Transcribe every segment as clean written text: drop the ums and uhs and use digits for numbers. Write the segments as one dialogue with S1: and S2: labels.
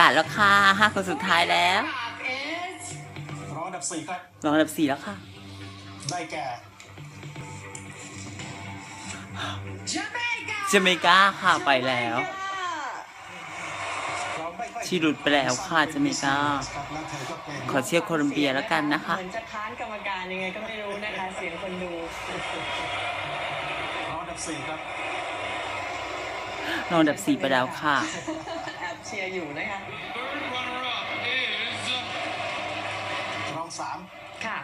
S1: ศแล้วค่ะ5 คนสุดท้ายแล้ว
S2: รองอันดับ4ครับ
S1: รองอันดับ4แล้วค่ะ
S2: ได้แก่
S1: เจเมกาค่ะไปแล้วที่หลุดไปแล้วค่ะเจเมกาขอเชียร์โคลอมเบียแล้วกันนะคะ
S3: เหมือนจะค้านกรรมการยังไงก็ไม่รู้นะคะเสียงคนดู
S2: รองอันดับ4ครับ
S1: รองอันดับ4ไปแล้วค่ะ
S3: แอบเชียร์อยู่นะคะ
S2: รอง3
S3: ค่ะ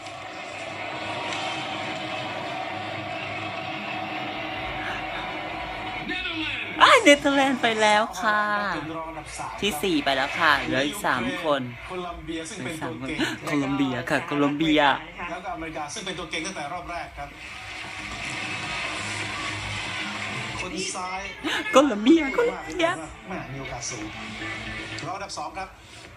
S1: เนเธอร์แลนด์ไปแล้วค่ะที่4ไปแล้วค่ะเหลืออีก3 คน
S2: โคลอมเบียซึ่งเป็นตัวเก่ง
S1: โคลอมเบียค่ะโคลอมเบีย
S2: แล้วก็อเมริกาซึ่งเป็นตัวเก่งตั้งแต่รอบแรกครับคนซ้าย
S1: โคลอมเบียโคลอมเบีย
S2: ไม่มีโอกาสสูงรองอันดับ2ครับ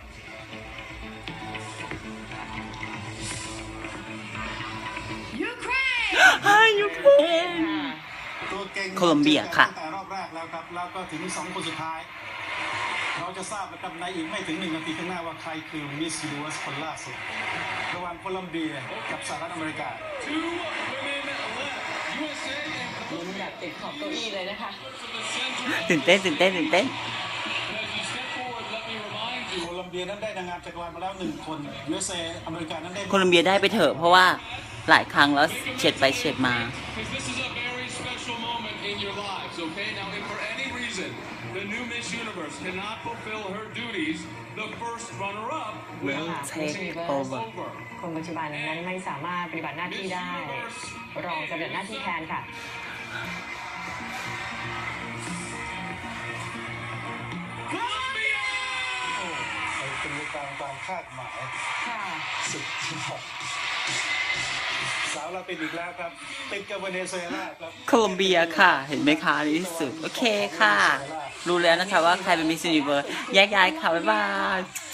S1: ยูเครน
S2: ตัวเก่ง
S1: โคลอมเบียค่ะ
S2: ตั้งแต่รอบแรกแล้วครับแล้วก็ถึง2 คนสุดท้ายเราจะทราบนะครับในอีกไม่ถึง1 นาทีข้างหน้าว่าใครคือมิสยูนิเวิร์สคนล่าสุดระหว่างโคลอมเบียกับสหรัฐอเมริกา
S3: ลุ้นแบบติดขอบเก้าอี้เลยนะคะ
S1: ตื่นเต้น
S2: โคลอมเบียนั้นได้นางงามจักรวาลมาแล้ว1 คน USA อเมริกานั้นได้
S1: โคลอมเบียได้ไปเถอะเพราะว่าหลายครั้งแล้วเฉียดไปเฉียดมา
S4: Okay, now if for any reason the new Miss Universe cannot fulfill her duties, the first runner-up will
S1: take over.
S3: คนปัจจุบันนั้นไม่สามารถปฏิบัติหน้าที่ได้รองจะปฏิบัติหน้าที่แทนค่ะ
S2: เป็นไปตามคาดหมายสุดยอดสาวเราเป็นอีกแล้วครับติดกับเวเนซุเอลาครับ
S1: โคลอมเบียค่ะเห็นไหมคะในที่สุดโอเคค่ะรู้แล้วนะคะว่าใครเป็นมิสยูนิเวิร์สแยกย้ายค่ะบ๊ายบาย